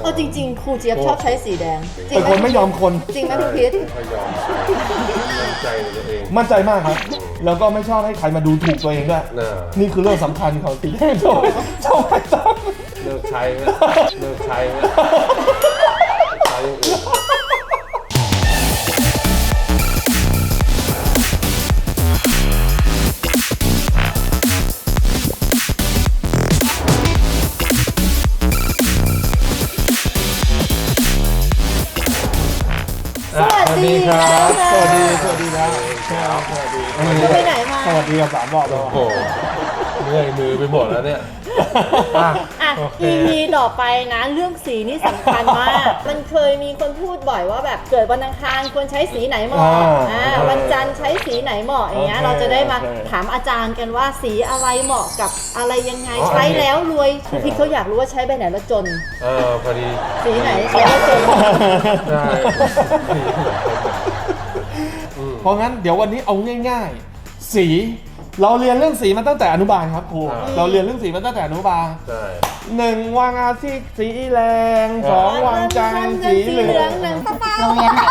เอาจริงๆครูเจี๊ยบชอบใช้สีแดงจริเป็งนไหมคนไม่ยอมคนจริงไหมครูพีทไม่ยอมมั่นใจในตัวเองมั่นใจมากครับ แล้วก็ไม่ชอบให้ใครมาดูถูกตัวเองด้วยน่ะนี่คือเรื่องสำคัญของสีแดงชอบไม่ต้องเลิกใช้ไหมเลิกใช้ไหมใช้อย่างอื่นสวัสดีครับสวัสดีครับจะไปไหนมาสวัสดีกับ3 รอบแล้วโอ้โหเมื่อยมือไปหมดแล้วเนี่ยอ่ะโอเค EP ต่อไปนะเรื่องสีนี่สำคัญมาก มันเคยมีคนพูดบ่อยว่าแบบเกิดวันอังคารควรใช้สีไหนเหมาะวันจันทร์ใช้สีไหนเหมาะอย่างเงี้ยเราจะได้มาถามอาจารย์กันว่าสีอะไรเหมาะกับอะไรยังไงใช้แล้วรวยพี่เขาอยากรู้ว่าใช้ใบไหนแล้วจนพอดีสีไหนใช้แล้วจนได้เพราะงั้นเดี๋ยววันนี้เอาง่ายๆ สีเราเรียนเรื่องสีมาตั้งแต่อนุบาลครับครูเราเรียนเรื่องสีมาตั้งแต่อนุบาลใช่ 1วันอาทิตย์สีแรง2วันจันทร์สีเหลืองหนึ่งโรงเรียนไหน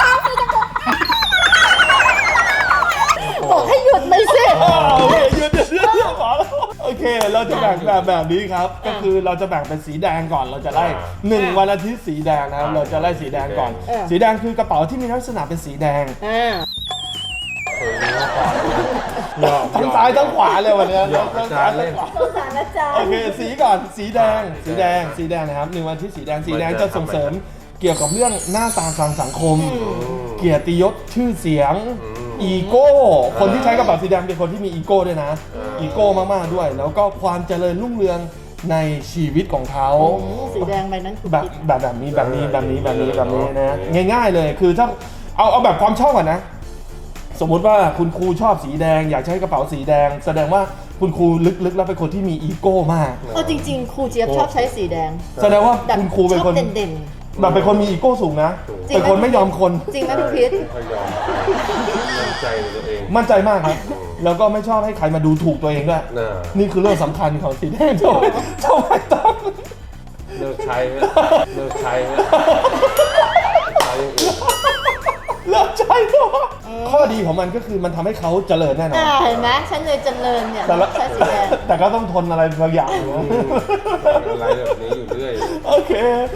บอกให้หยุดเลยสิโอเคหยุดขอแล้วโอเคเราจะแบ่งแบบนี้ครับ ก็คือเราจะแบ่งเป็นสีแดงก่อนเราจะไล่1วันอาทิตย์สีแดงนะครับเราจะไล่สีแดงก่อน สีแดงคือกระเป๋าที่มีลักษณะเป็นสีแดงเคยรู้มาก่อนทั้งซ้ายทั้งขวาเลยวันนี้หยอกอาจารย์เล่นสงสารอาจารโอย์เคสีก่อนสีแดงนะครับ1วันอาทิตย์สีแดงจะส่งเสริมเกี่ยวกับเรื่องหน้าตาทางสังคม เกียรติยศชื่อเสียงอีโก้คนที่ใช้กระเป๋าสีแดงเป็นคนที่มีอีโก้ด้วยนะอีโก้มากๆด้วย แล้วก็ความเจริญรุ่งเรืองในชีวิตของเขาสีแดงใบนั้นคือแบบนี้นะง่ายๆเลยคือถ้าเอาแบบความชอบก่อนนะ สมมุติว่าคุณครูชอบสีแดงอยากใช้กระเป๋าสีแดง แสดงว่าคุณครูลึกๆแล้วเป็นคนที่มีอีโก้มากเอาจริงๆครูเจี๊ยบชอบใช้สีแดงแสดงว่าแบบคุณครูเป็นชคอบนเด่นแบบเป็นคนมีอีโก้สูงนะจริงไหมเป็นคนไม่ยอมคนๆจริงไหมครูพีทไม่ยอมมั่นใจในตัวเองมั่นใจมากครับ แล้วก็ไม่ชอบให้ใครมาดูถูกตัวเองด้วยน่ะนี่คือเรื่องสำคัญของสีแดงชอบไม่ต้องเลิกใช้ไหมเลิกใช้ไหมใช้อย่างอื่นเลิกใช้ตัวข้อดีของมันก็คือมันทำให้เขาเจริญแน่นอนเห็นไหมฉันเลยเจริญเนี่ยแต่ละใช้สีแดงแต่ก็ต้องทนอะไรบางอย่างนะอะไรแบบนี้อยู่เรื่อยโอเค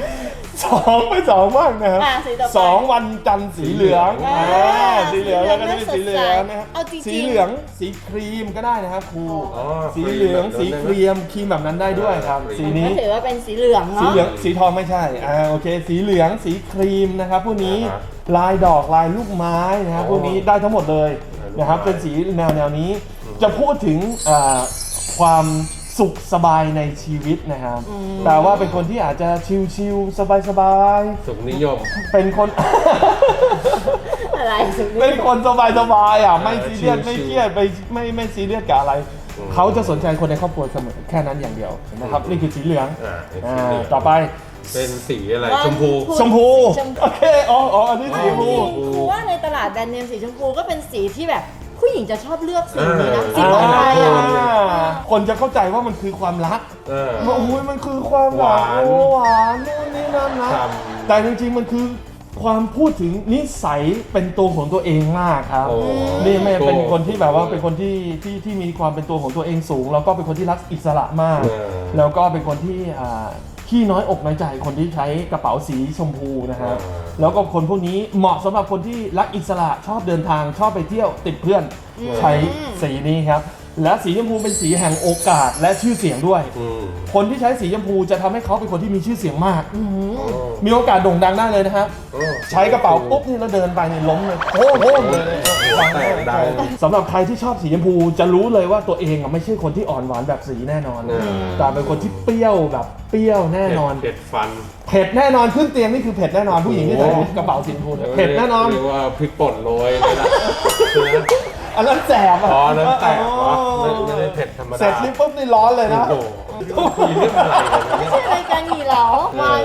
2ไป2บ้างนะครับสีต่อไป 2วันจันทร์สีเหลือง สีเหลืองแล้วก็จะเป็นสีเหลืองนะครับเอาจริงๆสีเหลืองสีครีมก็ได้นะครับครูอ๋อสีเหลืองสีครีมครีมแบบนั้นได้ด้วยครับ สีนี้ก็ถือว่าเป็นสีเหลืองสีเนาะเหลืองสีทองไม่ใช่โอเค สีเหลืองสีครีมนะครับพวกนี้ลายดอกลายลูกไม้นะครับพวกนี้ได้ทั้งหมดเลยนะครับเป็นสีแนวนี้จะพูดถึงความสุขสบายในชีวิตนะครับแต่ว่าเป็นคนที่อาจจะชิลๆสบายสุขนิยมๆเป็นคนอะไรสุดเป็นคนสบายๆไม่ซีเรียสชิลๆไม่เครียดไม่ซีเรียสกับอะไรเขาจะสนใจคนในครอบครัวเสมอแค่นั้นอย่างเดียวนะครับนี่คือสีเหลืองเป็นสีเหลืองต่อไปเป็นสีอะไรชมพูชมพูโอเคอันนี้สีชมพูครูว่าในตลาดแบรนด์เนมสีชมพูก็เป็นสีที่แบบผู้หญิงจะชอบเลือกสีนี้นะสีปลอดภัยคนจะเข้าใจว่ามันคือความรัก ว่าโอ้ยมันคือความหวานหวานโอ้หวานนู่นนี่นั่นนะครับแต่จริงๆมันคือความพูดถึงนิสัยเป็นตัวของตัวเองมากครับโอ้นี่ไม่เป็นคนที่แบบว่าเป็นคนที่มีความเป็นตัวของตัวเองสูง แล้วก็เป็นคนที่รักอิสระมาก แล้วก็เป็นคนที่ขี้น้อยอกน้อยใจคนที่ใช้กระเป๋าสีชมพูนะครับแล้วก็คนพวกนี้เหมาะสำหรับคนที่รักอิสระชอบเดินทางชอบไปเที่ยวติดเพื่อนใช้สีนี้ครับ และสีชมพูเป็นสีแห่งโอกาสและชื่อเสียงด้วย คนที่ใช้สีชมพูจะทำให้เขาเป็นคนที่มีชื่อเสียงมาก มีโอกาสโด่งดังได้เลยนะครับ ใช้กระเป๋าปุ๊บนี่แล้วเดินไปนี่ล้มเลยโค้งเลยดังสำหรับใครที่ชอบสีชมพูจะรู้เลยว่าตัวเองไม่ใช่คนที่อ่อนหวานแบบสีแน่นอน แต่เป็นคนที่เปรี้ยวแบบเปรี้ยวแน่นอนเผ็ดฟันเผ็ดแน่นอนขึ้นเตียงนี่คือเผ็ดแน่นอนผู้หญิงที่ใส่กระเป๋าสีชมพูเนี่ยเผ็ดแน่นอนเรียกว่าพริกป่นโรยเลยนะอันนั้นแสบอ่ะอ๋อนั่นแตกเหรอไม่ได้เผ็ดธรรมดาเสร็จนี่ปุ๊บนี่ร้อนเลยนะโอ้โหคุยเรื่องอะไรกันไม่เนี่ยใช่รายการหนีเหลาวันท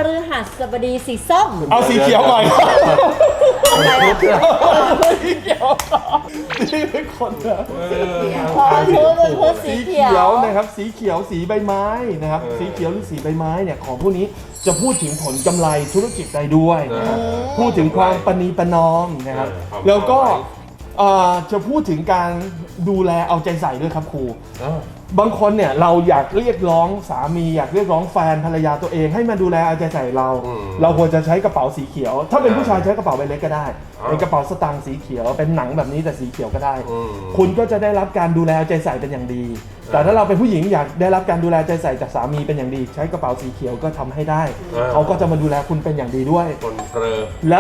ฤหัสบดีสีส้มเอาสีเขียวหน่อยอะไรอะสีเขียวนี่เป็นคนนะพอชุดเป็นชุดสีเขียวนะครับสีเขียวสีใบไม้นะครับสีเขียวหรือสีใบไม้เนี่ยของพวกนี้จะพูดถึงผลกำไรธุรกิจได้ด้วยนะครับพูดถึงความประนีประนอมนะครับแล้วก็จะพูดถึงการดูแลเอาใจใส่ด้วยครับครูบางคนเนี่ยเราอยากเรียกร้องสามีอยากเรียกร้องแฟนภรรยาตัวเองให้มาดูแลเอาใจใส่เราเราควรจะใช้กระเป๋าสีเขียว ถ้าเป็นผู้ชายใช้กระเป๋าใบเล็กก็ได้เป็นกระเป๋าสตางค์สีเขียวเป็นหนังแบบนี้แต่สีเขียวก็ได้คุณก็จะได้รับการดูแลเอาใจใส่เป็นอย่างดีแต่ถ้าเราเป็นผู้หญิงอยากได้รับการดูแลใจใส่จากสามีเป็นอย่างดีใช้กระเป๋าสีเขียวก็ทำให้ได้เขาก็จะมาดูแลคุณเป็นอย่างดีด้วยคนเกลอและ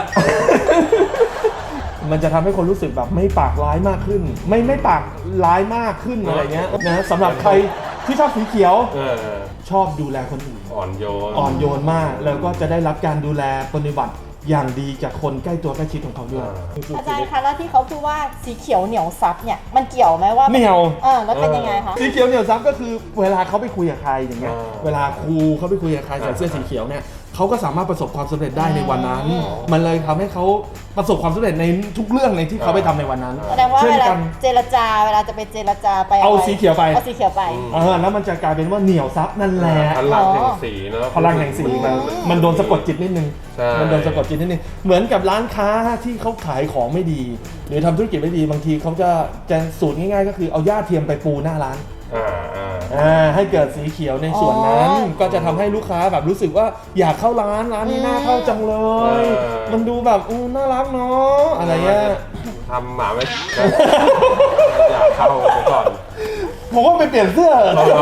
มันจะทำให้คนรู้สึกแบบไม่ปากร้ายมากขึ้น ไม่ปากร้ายมากขึ้นอะไรเงี้ยนะสำหรับใครที่ชอบสีเขียวชอบดูแลคนอื่นอ่อนโยนอ่อนโยนมากแล้วก็จะได้รับการดูแลปฏิบัติอย่างดีจากคนใกล้ตัวใกล้ชิดของเขาด้วยอาจารย์คะแล้วที่เขาพูดว่าสีเขียวเหนียวซับเนี่ยมันเกี่ยวไหมว่าเหนียวแล้วเป็นยังไงคะสีเขียวเหนียวซับก็คือเวลาเขาไปคุยกับใครอย่างเงี้ยเวลาครูเขาไปคุยกับใครใส่เสื้อสีเขียวเนี่ยเขาก็สามารถประสบความสำเร็จได้ในวันนั้น มันเลยทำให้เขาประสบความสำเร็จในทุกเรื่องในที่เขาไปทำในวันนั้นแสดงว่าช่นเวลากันเจรจาเวลาจะไปเจรจาไปเอาสีเขียวไปเอาสีเขียวไปแล้วมันจะกลายเป็นว่าเหนียวซับนั่นแหละพลังแห่งสีเนาะพลังแห่งสีมันโดนสะกดจิตนิดนึงใช่มันโดนสะกดจิตนิดนึงเหมือนกับร้านค้าที่เขาขายของไม่ดี หรือทำธุรกิจไม่ดีบางทีเขาจะสูตรง่ายๆก็คือเอาหญ้าเทียมไปปูหน้าร้านให้เกิดสีเขียวในส่วนนั้นก็จะทำให้ลูกค้าแบบรู้สึกว่าอยากเข้าร้านนี้น่าเข้าจังเลย มันดูแบบน่ารักเนาะอะไรเงี้ยทำหมาไว้อยากเข้าไปก่อนผมว่าไปเปลี่ยนเสื้อ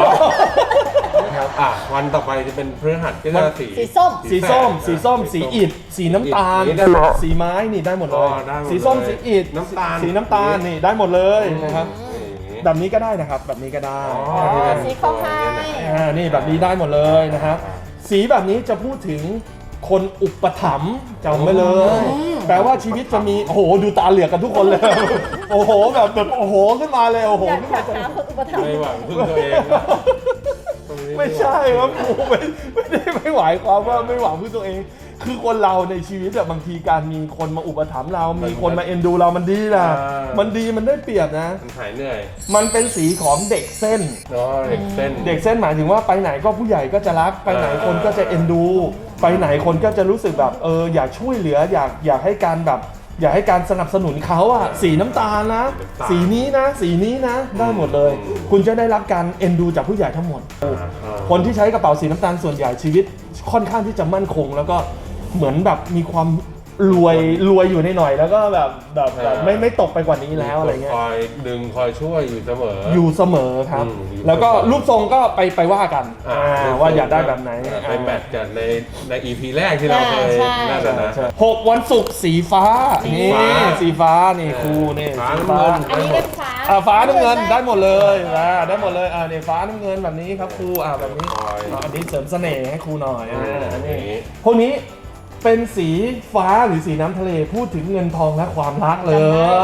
วันต่อไปจะเป็นพฤหัสก็จะสีสีส้มสีส้มสีอิฐสีน้ำตาล สีไม้นี่ได้หมดเลยสีส้มสีอิฐน้ำตาลสีน้ำตาลนี่ได้หมดเลยนะครับแบบนี้ก็ได้นะครับแบบนี้ก็ได้สีข้าวไข่นี่แบบนี้ได้หมดเลยนะครับสีแบบนี้จะพูดถึงคนอุปถัมภ์จำไว้เลยแปลว่าชีวิตจะมีโอ้โหดูตาเหลือกกันทุกคนเลยโอ้โหแบบโอ้โหขึ้นมาเลยโอ้โหอยากขึ้นหามาคนอุปถัมภ์ไม่หวังพึ่งตัวเองไม่ใช่ครับผมไม่ได้ไม่หมายความว่าไม่หวังพึ่งตัวเอง คือคนเราในชีวิตแบบบางทีการมีคนมาอุปถัมภ์เรามีคนมาเอ็นดูเรามันดีนะมันดีมันได้เปรียบนะมันหายเหนื่อยมันเป็นสีของเด็กเส้นเด็กเส้นเด็กเส้นหมายถึงว่าไปไหนก็ผู้ใหญ่ก็จะรักไปไหนคนก็จะเอ็นดู ไปไหนคนก็จะรู้สึกแบบอยากช่วยเหลืออยากให้การแบบอยากให้การสนับสนุนเขาอะสีน้ำตาลนะ สีนี้นะสีนี้นะได้หมดเลย คุณจะได้รับการเอ็นดูจากผู้ใหญ่ทั้งหมด คนที่ใช้กระเป๋าสีน้ำตาลส่วนใหญ่ชีวิตค่อนข้างที่จะมั่นคง แล้วก็เหมือนแบบมีความรวยอยู่ในหน่อยแล้วก็แบบไม่ตกไปกว่านี้แล้วอะไรเงี้ยคอยดึงคอยช่วยอยู่เสมออยู่เสมอครับ แล้วก็รูปทรงก็ไปว่ากันว่าอยากได้แบบไหนไปแมทกันใน EP แรกที่เราเคยนั่นนะ 6 วันศุกร์สีฟ้านี่สีฟ้านี่ครูนี่สีฟ้าอันนี้ได้ฟ้าฟ้าน้ำเงินได้หมดเลยได้หมดเลยนี่ฟ้าน้ำเงินแบบนี้ครับครูแบบนี้อันนี้เสริมเสน่ห์ให้ครูหน่อยอันนี้พวกนี้เป็นสีฟ้าหรือสีน้ำทะเลพูดถึงเงินทองและความรักเลย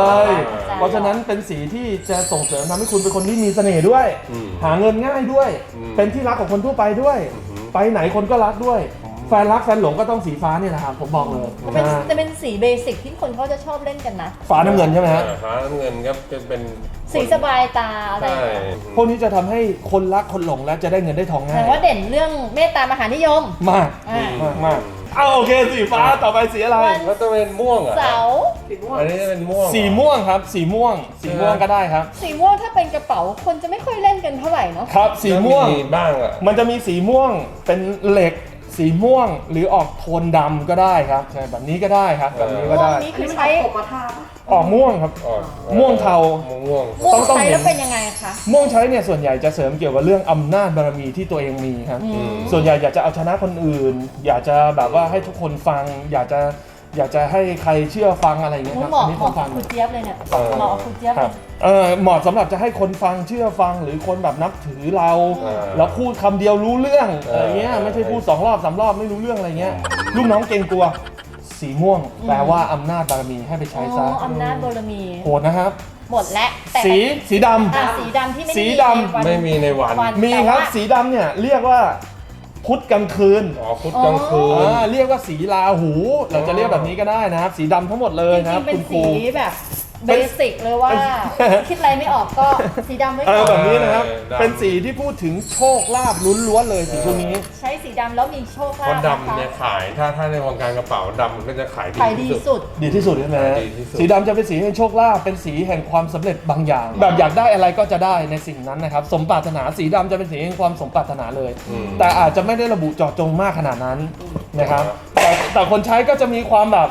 เพราะฉะนั้นเป็นสีที่จะส่งเสริมทำให้คุณเป็นคนที่มีเสน่ห์ด้วย หาเงินง่ายด้วย เป็นที่รักของคนทั่วไปด้วย ไปไหนคนก็รักด้วย แฟนรักแฟนหลงก็ต้องสีฟ้าเนี่ยนะครับผมบอกเลยจะเป็นสีเบสิกที่คนเขาจะชอบเล่นกันนะฟ้าน้ำเงินใช่ไหมฮะฟ้าน้ำเงินก็จะเป็นสีสบายตาอะไรใช่พวกนี้จะทำให้คนรักคนหลงและจะได้เงินได้ทองแต่ง่ายว่าเด่นเรื่องเมตตามหานิยมมากมากโอเคสีฟ้าต่อไปสีอะไรแล้วจะเป็นม่วงอ่ะเสาร์อันนี้จะเป็นม่วงสีม่วงครับสีม่วงก็ได้ครับสีม่วงถ้าเป็นกระเป๋าคนจะไม่ค่อยเล่นกันเท่าไหร่เนาะครับสีม่วงบ้างอ่ะมันจะมีสีม่วงเป็นเหล็กสีม่วงหรือออกโทนดำก็ได้ครับใช่แบบนี้ก็ได้ครับแบบนี้ก็ม่วงได้นี้คือใช้ออกม่วงครับ ม่วงเทาม่วงม่วงต้องใช้เห็นแล้วเป็นยังไงคะม่วงใช้เนี่ยส่วนใหญ่จะเสริมเกี่ยวกับเรื่องอำนาจบารมีที่ตัวเองมีครับส่วนใหญ่อยากจะเอาชนะคนอื่น อยากจะแบบว่าให้ทุกคนฟัง อยากจะให้ใครเชื่อฟังอะไรอย่างเงี้ยครับเหมาะอันนี้เหผมมาะฟักับงคุณเจี๊ยบเลยเนี่ยเหมาะกับคุณเจี๊ยบคเลรับยเหมาะสำหรับจะให้คนฟังเชื่อฟังหรือคนแบบนับถือเราแล้วพูดคำเดียวรู้เรื่องอะไรเงี้ยไม่ใช่พูด2 รอบ 3 รอบไม่รู้เรื่องอะไรเงี้ยลูกน้องเกรงกลัวสีม่วงแปลว่าอำนาจบารมีให้ไปใช้ซะอำนาจบารมีโหดนะครับหมดแล้วแต่สีดำสีดำที่ไม่สีมีดำไม่มีในวันมีครับสีดำเนี่ยเรียกว่าพุธกลางคืนอ๋อพุธกลางคืนเรียกว่าสีราหู เราจะเรียกแบบนี้ก็ได้นะครับสีดำทั้งหมดเลยจนะคริรับงๆเป็คุนณครูสีแบบเบสิกเลยว่า คิดอะไรไม่ออกก็สีดำไว้อะไรก่อแบนบนี้นะครับดำเป็นสีที่พูดถึงโชคลาภล้วนๆเลยสีพวกนี้ใช้สีดำแล้วมีโชคเพลาราะภดำเนี่ยขายถ้าในวงการกระเป๋าดำมันก็จะขายขายดีที่สุดดีที่สุดใช่ไหมดีที่สุดสีดำจะเป็นสีแห่งโชคลาภเป็นสีแห่งความสำเร็จบางอย่าง แบบอยากได้อะไรก็จะได้ในสิ่งนั้นนะครับสมปรารถนาสีดำจะเป็นสีแห่งความสมปรารถนาเลย แต่อาจจะไม่ได้ระบุเจาะจงมากขนาดนั้นนะครับแต่คนใช้ก็จะมีความแบบ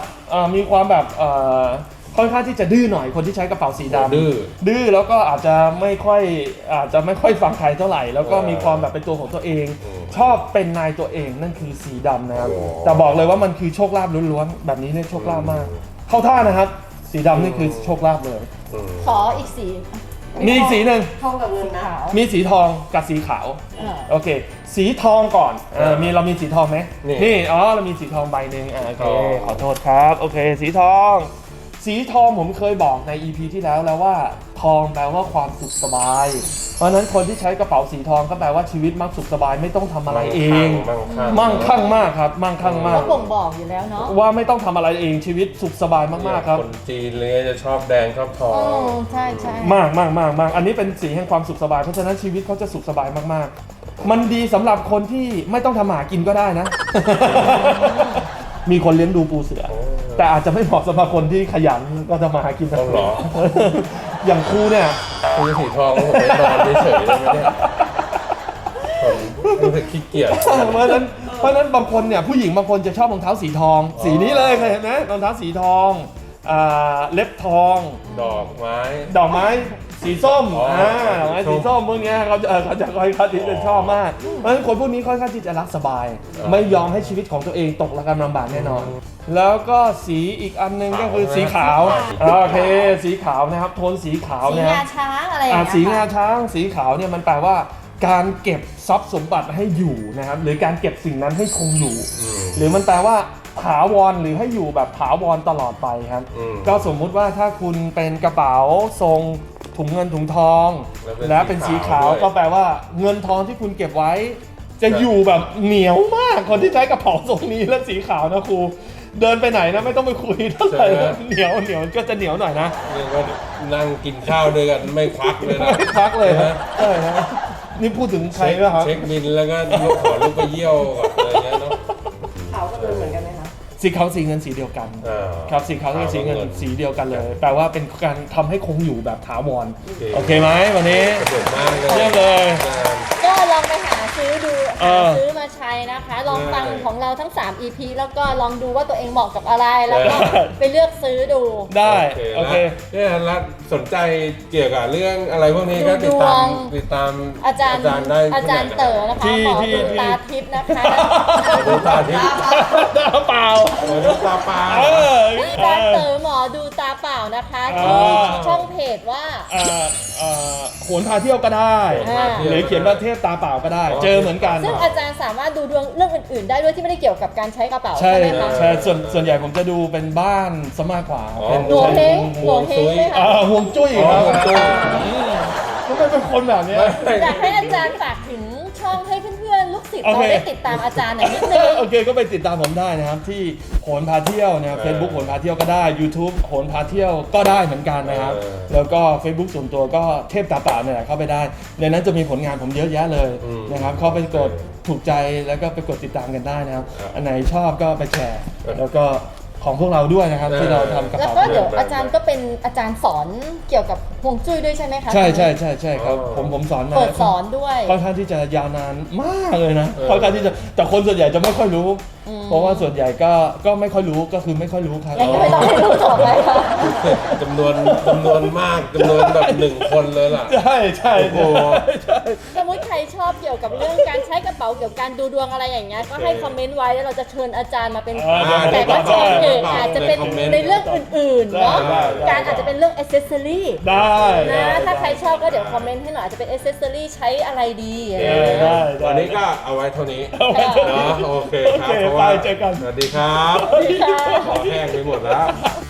ค่อนข้างที่จะดื้อหน่อยคนที่ใช้กระเป๋าสีดำดื้อแล้วก็อาจจะไม่ค่อยฟังใครเท่าไหร่ แล้วก็มีความแบบเป็นตัวของตัวเอง ชอบเป็นนายตัวเองนั่นคือสีดำนะครับแต่บอกเลยว่ามันคือโชคลาภล้วนๆแบบนี้เนี่ยโชคลาภมากเข้าท่านะครับสีดำนี่คือโชคลาภเลยขออีกสีมีอีกสีหนึ่งทองกับเงินนะมีสีทองกับสีขาว โอเค สีทองก่อนเรามีสีทองไหมนี่เรามีสีทองใบหนึ่งโอเคขอโทษครับโอเคสีทองผมเคยบอกใน EP ที่แล้วว่าทองแปลว่าความสุขสบายเพราะฉะนั้นคนที่ใช้กระเป๋าสีทองก็แปลว่าชีวิตมักสุขสบายไม่ต้องทำอะไรเองมั่งคั่งมากครับมั่งคั่งมากก็บ่งบอกอยู่แล้วเนาะว่าไม่ต้องทำอะไรเองชีวิตสุขสบายมากๆครับคนจีนเลยจะชอบแดงชอบทองใช่ใช่มากอันนี้เป็นสีแห่งความสุขสบายเพราะฉะนั้นชีวิตเขาจะสุขสบายมากๆ มันดีสำหรับคนที่ไม่ต้องทำหากินก็ได้นะ มีคนเลี้ยงดูปูเสือ แต่อาจจะไม่เหมาะสำหรับคนที่ขยันก็ทำมาหากินต้องหรออย่างครูเนี่ยคือสีทองผมไปนอนเฉยๆเลยไหมเนี่ยผมรู้สึกขี้เกียจเพราะฉะนั้นบางคนเนี่ยผู้หญิงบางคนจะชอบรองเท้าสีทอง สีนี้เลยเคยเห็นไหมรองเท้าสีทองเล็บทองดอกไม้ดอกไม้สีส้ม ดอกไม้สีสีส้ส้มมพวกเนี้ยเขาจะค่อยๆที่จะชอบมาก เพราะฉะนั้นคนพวกนี้ค่อนข้างที่จะรักสบาย ไม่ยอมให้ชีวิตของตัวเองตกระกำลำบากแน่นอน แล้วก็สีอีกอันนึงก็คือสีขาวโอเคสีขาวนะครับโทนสีขาวสีเนี่ยงาช้างอะไรอย่างเงี้ยสีงาช้างสีขาวเนี่ยมันแปลว่าการเก็บทรัพย์สมบัติให้อยู่นะครับหรือการเก็บสิ่งนั้นให้คงอยู่ หรือมันแปลว่าถาวรหรือให้อยู่แบบถาวรตลอดไปครับก็สมมุติว่าถ้าคุณเป็นกระเป๋าทรงถุงเงินถุงทอง และเป็นสีขาวก็แปลว่าเงินทองที่คุณเก็บไว้ จะอยู่แบบเหนียวมากคนที่ใช้กระเป๋าทรงนี้และสีขาวนะครูเดินไปไหนนะไม่ต้องไปคุยเท่าไหร่นะเหนียวก็จะเหนียวหน่อยนะเรียกว่านั่งกินข้าวด้วยกันไม่ควักเลยนะไม่พักเลยนะใช่นะนี่พูดถึงใครป่ะครับเช็คบินแล้วก็ขอลูกไปเยี่ยวก่อนอะไรเงี้ยเนาะขาวกับเงินเหมือนกันไหมคะสีขาวสีเงินสีเดียวกันครับสีขาวกับสีเงินสีเดียวกันเลยแปลว่าเป็นการทำให้คงอยู่แบบถาวรโอเคไหมวันนี้สนุกมากเลยเยี่ยมเลยก็ลองไปหาซื้อดูเอหาอซื้อมาใช้นะคะ ลองฟังของเราทั้ง 3 EP แล้วก็ลองดูว่าตัวเองเหมาะกับอะไร แล้วก็ไปเลือกซื้อดูได้โอเคเนี่ยแล้วสนใจเกี่ยวกับเรื่องอะไรพวกนี้ก็ติดตามอาจารย์ได้อาจารย์เต๋อนะคะหมอดูตาทิพย์นะคะดูตาทิพย์ตาเปล่าดูตาปลาอาจารย์เต๋อหมอดูตาเปล่านะคะที่ช่องเพจว่าโหนพาเที่ยวก็ได้ หรือเขียนว่าเทพตาเปล่าก็ได้ เจอเหมือนกันซึ่งอาจารย์สามารถดูดวงเรื่องอื่นๆ ได้ด้วยที่ไม่ได้เกี่ยวกับการใช้กระเป๋าใช่ใช่ไหมคะใช่ส่วนใหญ่ผมจะดูเป็นบ้านซะมากกว่าเป็นหลวงเฮงหลวงเฮงไหมคะห่วงจุ้ยครับทำไมเป็นคนแบบนี้อยากให้อาจารย์ฝากถึงช่องให้เพื่อนๆลูกศิษย์เราได้ติดตามอาจารย์หน่อยนิดนึงโอเคก็ไปติดตามผมได้นะครับที่โหนพาเที่ยวนะครับ Facebook โหนพาเที่ยวก็ได้ YouTube โหนพาเที่ยวก็ได้เหมือนกันนะครับแล้วก็ Facebook ส่วนตัวก็เทพตาเปล่าเนี่ยแหละเข้าไปได้ในนั้นจะมีผลงานผมเยอะแยะเลยนะครับเข้าไปกดถูกใจแล้วก็ไปกดติดตามกันได้นะครับอันไหนชอบก็ไปแชร์แล้วก็ของพวกเราด้วยนะครับที่เราทำกระแล้วเป๋าก็เดี๋ยวอาจารย์ก็เป็นอาจารย์สอนเกี่ยวกับฮวงจุ้ยด้วยใช่ไหมคะใช่ครับผมสอนมาเปิดสอนด้วยค่อนข้างที่จะยาวนานมากเลยนะค่อนข้างที่จะแต่คนส่วนใหญ่จะไม่ค่อยรู้ เพราะว่าส่วนใหญ่ก็ไม่ค่อยรู้ก็คือไม่ค่อยรู้ครับยังไม่ต้องให้รู้ต่อไปค่ะจำนวนมากจำนวนแบบ1 คนเลยล่ะใช่โอ้โหสมมติใครชอบเกี่ยวกับเรื่องการใช้กระเป๋าเกี่ยวกับการดูดวงอะไรอย่างเงี้ยก็ให้คอมเมนต์ไว้แล้วเราจะเชิญอาจารย์มาเป็นแขกรับเชิญอื่นอาจจะเป็นในเรื่องอื่นๆเนาะการอาจจะเป็นเรื่องอ c เซสซอรี่ได้นะถ้าใครชอบก็เดี๋ยวคอมเมนต์ให้หน่อยอาจจะเป็นอ c เซสซอรี่ใช้อะไรดีอะไรได้วันนี้ก็เอาไว้เท่านี้เอาไว้เท่านี้เนาะโอเคครับโอเคเพราะว่าไปเจอกันสวัสดีครับดีค่ะขอแห้งไปหมดแล้ว